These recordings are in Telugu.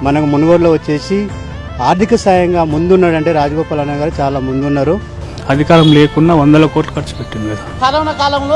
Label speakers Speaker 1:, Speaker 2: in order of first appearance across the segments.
Speaker 1: మనకు మునుగోడులో వచ్చేసి ఆర్థిక సాయంగా ముందున్నాడంటే రాజగోపాల్ అన్న గారు చాలా ముందున్నారు.
Speaker 2: అధికారం లేకున్నా 100 కోట్లు ఖర్చు పెట్టింది కదా.
Speaker 3: కరోనా కాలంలో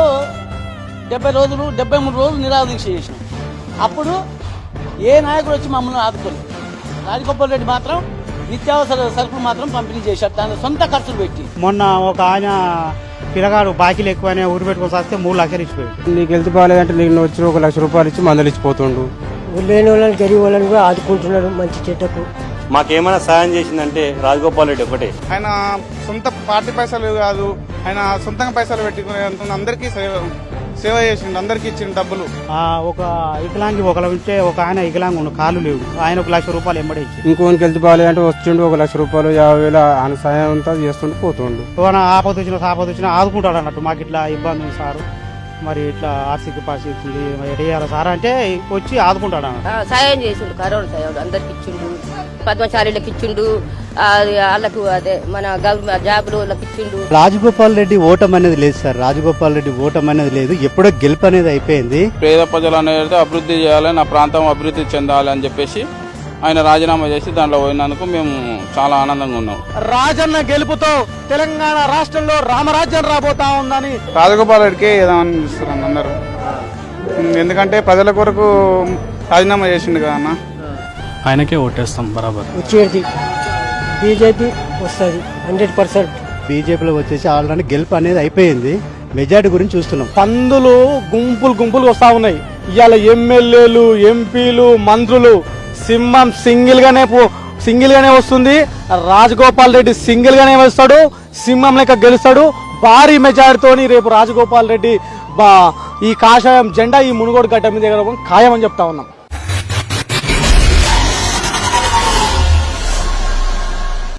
Speaker 3: 73 రోజులు నిరాదీక్ష చేసినాం. అప్పుడు ఏ నాయకుడు వచ్చి మమ్మల్ని ఆదుకోలేదు. రాజగోపాల్ రెడ్డి మాత్రం నిత్యావసర సరుకులు మాత్రం పంపిణీ చేశారు, దాని సొంత ఖర్చులు పెట్టి.
Speaker 1: మొన్న ఒక ఆయన పిల్లగాడు బాకీలు ఎక్కువనే ఊరు పెట్టుకొని వస్తే 3 లక్షలు ఇచ్చిపోయాడు.
Speaker 4: నీకు హెల్త్ బాగాలేదంటే నీకు వచ్చి 1 లక్ష రూపాయలు ఇచ్చి మందులు ఇచ్చిపోతుండు.
Speaker 5: లేని వాళ్ళని గరీబ్ వాళ్ళని కూడా ఆదుకుంటున్నారు మంచి చెడ్డకు.
Speaker 6: మాకేమైనా సాయం చేసిందంటే రాజగోపాల్ రెడ్డి ఒకటే.
Speaker 7: ఆయన సొంత పార్టీ పైసలు కాదు, ఆయన సొంతంగా పైసలు పెట్టుకుని అందరికీ సేవ చేసిండు, అందరికి ఇచ్చిండు డబ్బులు.
Speaker 1: ఒక వికలాంగి ఒకరు ఉంటే ఒక ఆయన వికలాంగి ఉండు, కాళ్ళు లేవు, ఆయన 1 లక్ష రూపాయలు ఎంబడి ఇచ్చి.
Speaker 4: ఇంకోనికి హెల్త్ బాగాలేదంటే వచ్చిండు 1 లక్ష రూపాయలు 50,000 ఆయన సాయం అంతా చేస్తుంటూ పోతుండు.
Speaker 1: ఆపద వచ్చినా ఆదుకుంటాడు అన్నట్టు. మాకు ఇట్లా ఇబ్బంది ఉంది సార్, మరి ఇట్లా ఆర్థిక పరిస్థితి ఎడేయాలి సార్ అంటే వచ్చి ఆదుకుంటాడు అన్న.
Speaker 8: సాయం చేసిండు, కరోనా సాయం అందరికి ఇచ్చిండు, పద్మశాలీలకు ఇచ్చిండు, వాళ్ళకు అదే మన గవర్నమెంట్ జాబులు వాళ్ళకి ఇచ్చిండు.
Speaker 1: రాజగోపాల్ రెడ్డి ఓటం అనేది లేదు సార్, రాజగోపాల్ రెడ్డి ఓటం అనేది లేదు, ఎప్పుడో గెలుపు అనేది అయిపోయింది.
Speaker 9: పేద ప్రజలు అనేది అభివృద్ధి చేయాలి, నా ప్రాంతం అభివృద్ధి చెందాలి అని చెప్పేసి ఆయన రాజీనామా చేసి దాంట్లో పోయినందుకు మేము చాలా ఆనందంగా ఉన్నాం.
Speaker 3: రాజన్న గెలుపుతో తెలంగాణ రాష్ట్రంలో రామరాజ్యం రాబోతా ఉందని
Speaker 7: రాజగోపాల్ రెడ్డికే ఏదామని చూస్తున్నారు అందరూ. ఎందుకంటే ప్రజల కొరకు రాజీనామా చేసిండు కదా అన్న.
Speaker 2: ఆయనకే ఓటేస్తాం బరాబర్.
Speaker 5: వచ్చేది బీజేపీ వస్తుంది 100%.
Speaker 1: బీజేపీలో వచ్చేసి ఆల్రెడీ గెలుపు అనేది అయిపోయింది, మెజార్టీ గురించి చూస్తున్నాం.
Speaker 3: పందులు గుంపులు వస్తా ఉన్నాయి. ఇవాళ ఎమ్మెల్యేలు, ఎంపీలు, మంత్రులు, సింహం సింగిల్ గానే వస్తుంది. రాజగోపాల్ రెడ్డి సింగిల్ గానే వస్తాడు, సింహం లెక్క గెలుస్తాడు. భారీ మెజారిటీతోని రేపు రాజగోపాల్ రెడ్డి ఈ కాషాయం జెండా ఈ మునుగోడు గడ్డ మీద ఖాయమని చెప్తా ఉన్నాం.